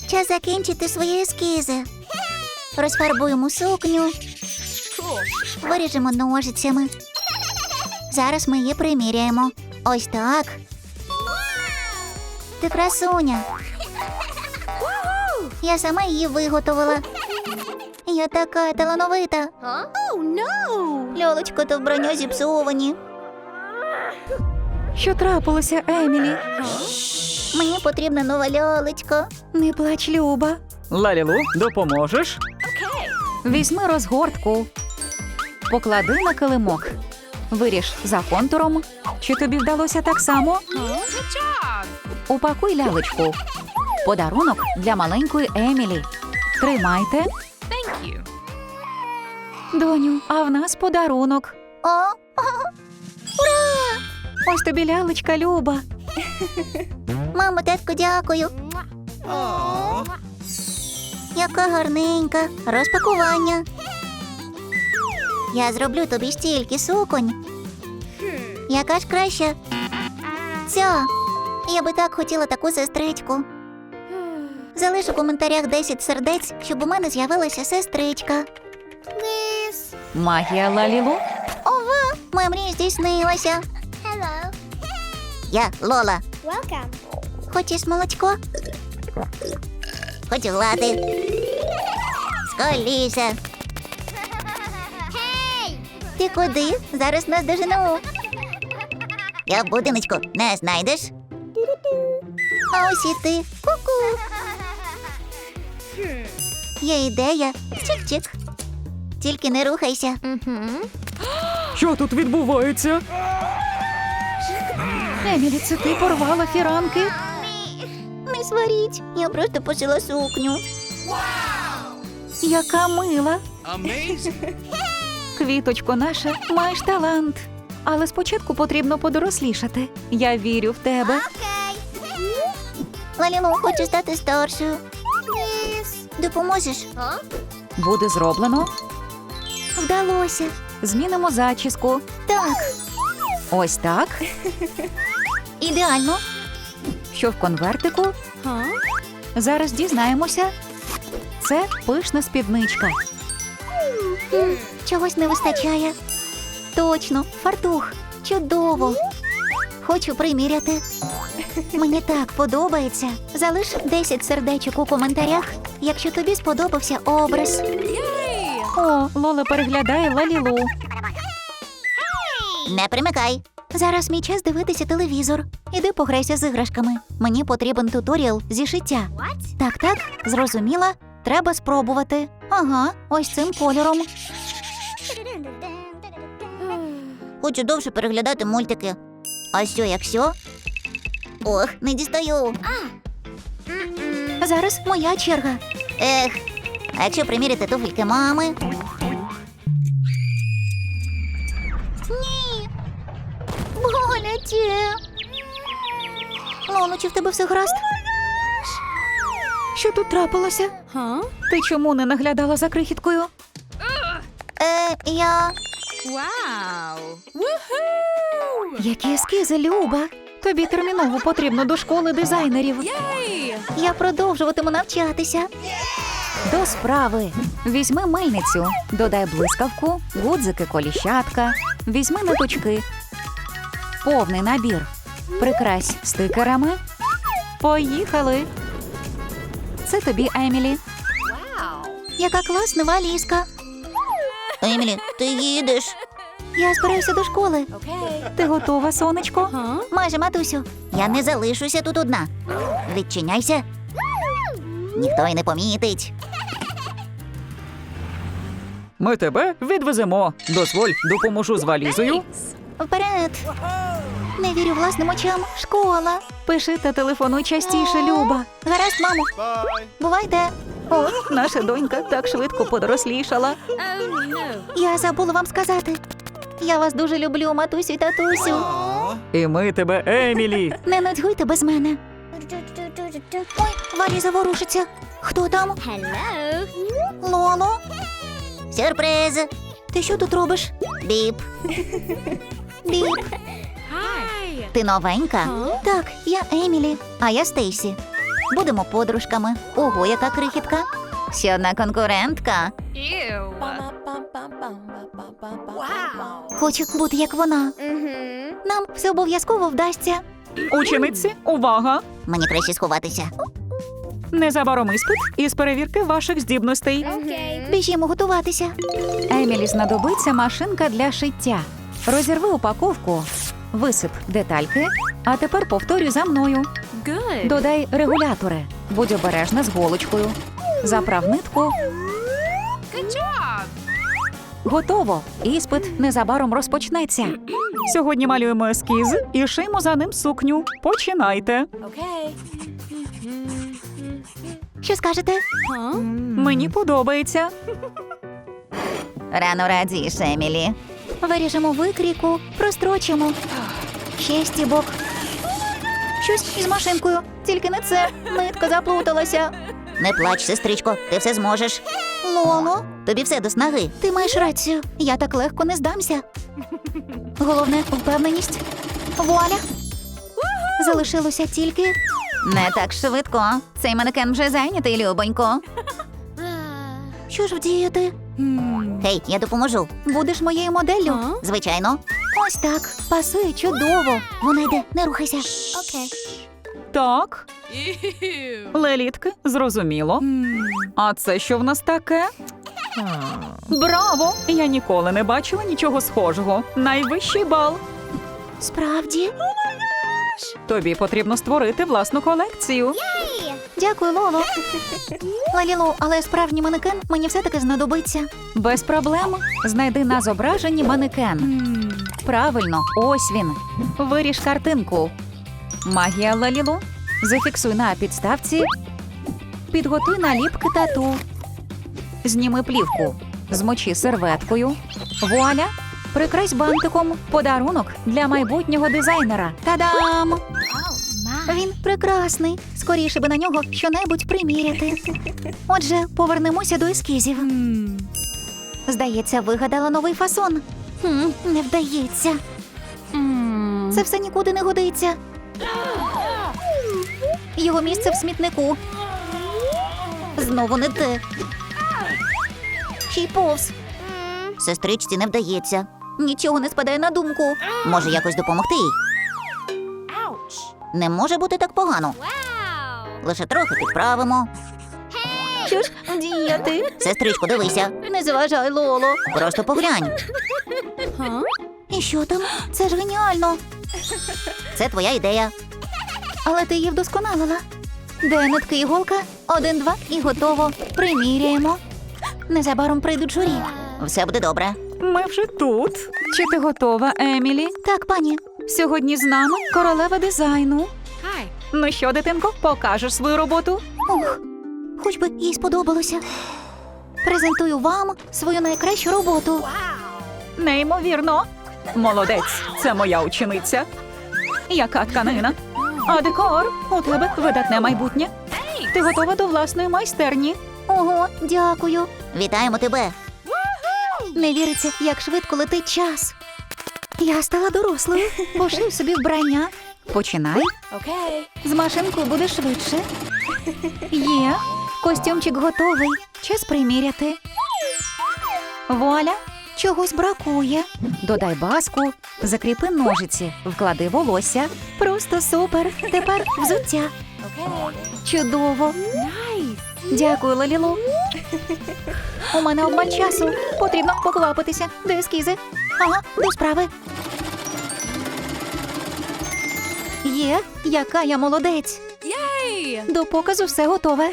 Час закінчити свої ескізи. Розфарбуємо сукню. Виріжемо ножицями. Зараз ми її приміряємо. Ось так. Ти красуня. Я сама її виготовила. Я така талановита. Льолочко та вбрання зіпсовані. Що трапилося, Емілі? Мені потрібна нова льолочка. Не плач, Люба. Лалілу, допоможеш? Візьми розгортку. Поклади на килимок. Виріж за контуром. Чи тобі вдалося так само? Упакуй лялечку. Подарунок для маленької Емілі. Тримайте. Доню, а в нас подарунок. О, Ось тобі лялечка, Люба. мамо, татко, дякую. Яка гарненька. Розпакування. Я зроблю тобі стільки суконь. Яка ж краща? Ця. Я би так хотіла таку сестричку. Залиш у коментарях 10 сердець, щоб у мене з'явилася сестричка. Магія Лалілу. Ова, моя мрія здійснилася. Я Лола. Хочеш молочко? Хочу глади. Скоріше. Ти куди? Зараз нас дожену. Я в будиночку. Не знайдеш? А ось і ти. Ку-ку. Є ідея. Чик-чик. Тільки не рухайся. Що тут відбувається? Емілі, це ти порвала фіранки? Не сваріть. Я просто пошила сукню. Яка мила. Квіточко наша, маєш талант. Але спочатку потрібно подорослішати. Я вірю в тебе. Лалілу, хочу стати старшою. Допоможеш? Буде зроблено. Вдалося. Змінимо зачіску. Так. Ось так. Ідеально. Що в конвертику? Зараз дізнаємося. Це пишна спідничка. Чогось не вистачає. Точно, фартух. Чудово. Хочу приміряти. Мені так подобається. Залиш 10 сердечок у коментарях, якщо тобі сподобався образ. О, Лола переглядає Лалілу. Не примикай. Зараз мій час дивитися телевізор. Іди пограйся з іграшками. Мені потрібен туторіал зі шиття. Так, зрозуміла. Треба спробувати. Ага, ось цим кольором. Хочу довше переглядати мультики. А що, якщо? Ох, не дістаю. Зараз моя черга. Ех, а якщо приміряти туфельки мами? Ні. Боляче. Лоло, чи в тебе все гаразд? Що тут трапилося? Ти чому не наглядала за крихіткою? Я... Які ескізи, Люба. Тобі терміново потрібно до школи дизайнерів. Я продовжуватиму навчатися. До справи. Візьми мильницю, додай блискавку, гудзики, коліщатка. Візьми ниточки. Повний набір. Прикрась стикерами. Поїхали. Це тобі, Емілі. Яка класна валізка. Емілі, ти їдеш? Я збираюся до школи. Ти готова, сонечко? Майже, матусю. Я не залишуся тут одна. Відчиняйся. Ніхто й не помітить. Ми тебе відвеземо. Дозволь, допоможу з валізою. Вперед. Не вірю власним очам. Школа. Пиши та телефонуй частіше, Люба. Гаразд, мамо. Бувайте. О, наша донька так швидко подорослішала. Я забула вам сказати. Я вас дуже люблю, матусю і татусю. І ми тебе, Емілі. Не нудьгуйте без мене. Ой, валіза ворушиться. Хто там? Лоло. Сюрприз. Ти що тут робиш? Біп. Біп. Ти новенька? Так, я Емілі, а я Стейсі. Будемо подружками. Ого, яка крихітка. Ще одна конкурентка. Хочу бути як вона. Нам все обов'язково вдасться. Учениці, увага! Мені краще сховатися. Незабаром іспит із перевірки ваших здібностей. Біжімо готуватися. Емілі знадобиться машинка для шиття. Розірви упаковку, висип детальки, а тепер повторюй за мною. Додай регулятори. Будь обережна з голочкою. Заправ нитку. Готово. Іспит незабаром розпочнеться. Сьогодні малюємо ескіз і шиємо за ним сукню. Починайте. Що скажете? Мені подобається. Рано радієш, Емілі. Виріжемо викрійку, прострочимо. Ще стібок. Щось із машинкою. Тільки не це. Нитка заплуталася. Не плач, сестричко, ти все зможеш. Лоло, тобі все до снаги. Ти маєш рацію. Я так легко не здамся. Головне – впевненість. Вуаля! Залишилося тільки... Не так швидко. Цей манекен вже зайнятий, любонько. Що ж вдіяти? Гей, я допоможу. Будеш моєю моделлю? Звичайно. Ось так. Пасує чудово. Вона йде, не рухайся. Так. Лелітки, зрозуміло. А це що в нас таке? Браво! Я ніколи не бачила нічого схожого. Найвищий бал. Справді? Тобі потрібно створити власну колекцію. Дякую, Лоло. Лалілу, але справжній манекен мені все-таки знадобиться. Без проблем. Знайди на зображенні манекен. Правильно, ось він. Виріж картинку. Магія Лалілу. Зафіксуй на підставці. Підготуй наліпки тату. Зніми плівку. Змочи серветкою. Вуаля! Прикрась бантиком. Подарунок для майбутнього дизайнера. Та-дам! Він прекрасний. Скоріше би на нього щонебудь приміряти. Отже, повернемося до ескізів. Здається, вигадала новий фасон. Не вдається. Це все нікуди не годиться. Його місце в смітнику. Знову не те. Ще й повз. Сестричці не вдається. Нічого не спадає на думку. Може, якось допомогти їй? Не може бути так погано. Лише трохи підправимо. Що ж діяти? Сестричко, дивися. Не заважай, Лоло. Просто поглянь. І що там? Це ж геніально. Це твоя ідея. Але ти її вдосконалила. Де нитки і іголка? 1, 2 і готово. Приміряємо. Незабаром прийдуть журі. Все буде добре. Ми вже тут. Чи ти готова, Емілі? Так, пані. Сьогодні з нами королева дизайну. Ну що, дитинко, покажеш свою роботу? Ух, хоч би їй сподобалося. Презентую вам свою найкращу роботу. Неймовірно. Молодець, це моя учениця. Яка тканина? А декор? У тебе видатне майбутнє. Ти готова до власної майстерні. Ого, дякую. Вітаємо тебе. Не віриться, як швидко летить час. Я стала дорослою. Пошив собі вбрання. Починай. З машинкою буде швидше. Є. Костюмчик готовий. Час приміряти. Вуаля, чогось бракує. Додай баску, закріпи ножиці, вклади волосся. Просто супер. Тепер взуття. Чудово. Дякую, Лалілу. У мене обмаль часу. Потрібно поквапитися. Де ескізи? Ага, до справи. Є, яка я молодець. До показу все готове.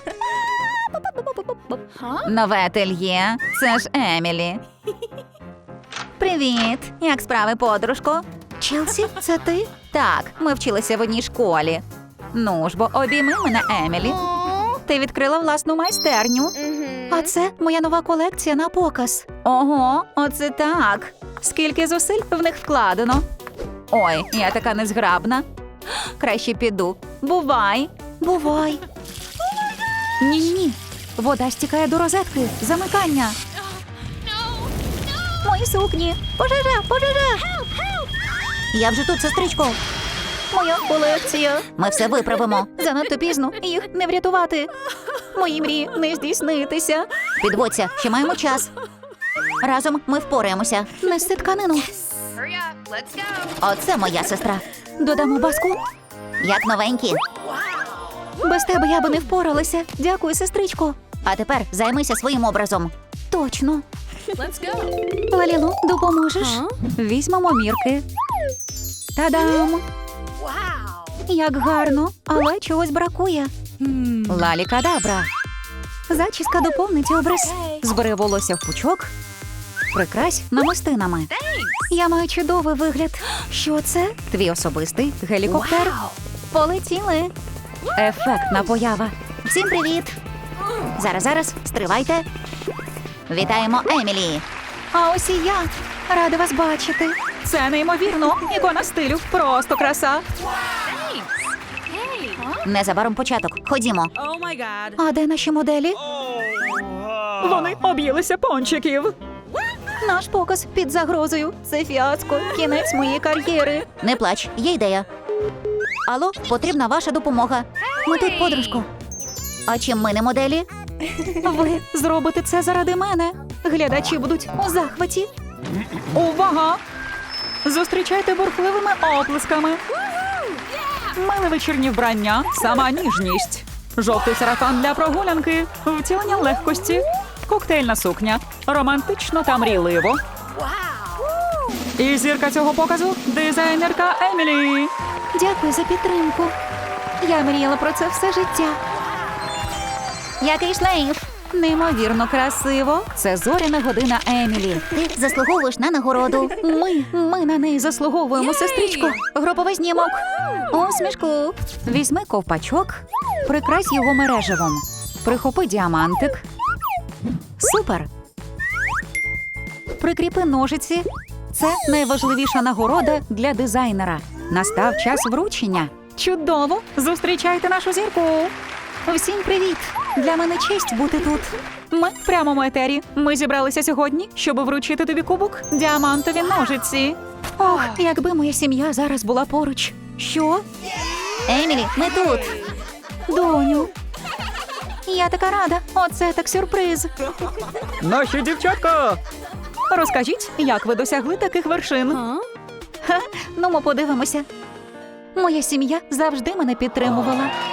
Нове ательє. Це ж Емілі. Привіт. Як справи, подружко? Челсі, це ти? Так, ми вчилися в одній школі. Ну ж бо обійми мене, Емілі. Ти відкрила власну майстерню. А це моя нова колекція на показ. Ого, оце так. Скільки зусиль в них вкладено. Ой, я така незграбна. Краще піду. Бувай. Бувай. Ні-ні-ні. Вода стікає до розетки. Замикання. Мої сукні. Пожежа, пожежа. Я вже тут, сестричко. Моя колекція. Ми все виправимо. Занадто пізно, їх не врятувати. Мої мрії не здійснитися. Підводься, ще маємо час. Разом ми впораємося. Неси тканину. Оце моя сестра. Додамо баску. Як новенькі. Без тебе я би не впоралася. Дякую, сестричко. А тепер займися своїм образом. Точно. Лалілу, допоможеш? Візьмемо мірки. Та-дам! Як гарно, але чогось бракує. Лалі-кадабра. Зачіска доповнить образ. Збери волосся в пучок. Прикрась намистинами. Я маю чудовий вигляд. Що це? Твій особистий гелікоптер. Полетіли. Ефектна поява. Всім привіт. Зараз, стривайте. Вітаємо Емілі. А ось і я. Рада вас бачити. Це неймовірно. Ікона стилю. Просто краса. Незабаром початок. Ходімо. А де наші моделі? Вони об'їлися пончиків. Наш показ під загрозою. Це фіаско. Кінець моєї кар'єри. Не плач, є ідея. Алло, потрібна ваша допомога. Ми тут, подружко. А чим ми не моделі? Ви зробите це заради мене. Глядачі будуть у захваті. Увага! Зустрічайте бурхливими оплесками. Миле вечірнє вбрання, сама ніжність. Жовтий сарафан для прогулянки, втілення легкості, коктейльна сукня, романтично та мрійливо. І зірка цього показу – дизайнерка Емілі. Дякую за підтримку. Я мріяла про це все життя. Який шлейф? Неймовірно красиво. Це зоряна година Емілі. Ти заслуговуєш на нагороду. Ми на неї заслуговуємо, сестричко. Груповий знімок. Усмішку. Візьми ковпачок, прикрась його мереживом. Прихопи діамантик. Супер. Прикріпи ножиці. Це найважливіша нагорода для дизайнера. Настав час вручення. Чудово! Зустрічайте нашу зірку. Всім привіт! Для мене честь бути тут. Ми в прямому етері. Ми зібралися сьогодні, щоб вручити тобі кубок діамантові ножиці. Ох, якби моя сім'я зараз була поруч. Що? Емілі, ми тут. Доню. Я така рада. Оце так сюрприз. Наші дівчатка! Розкажіть, як ви досягли таких вершин? Ну, ми подивимося. Моя сім'я завжди мене підтримувала.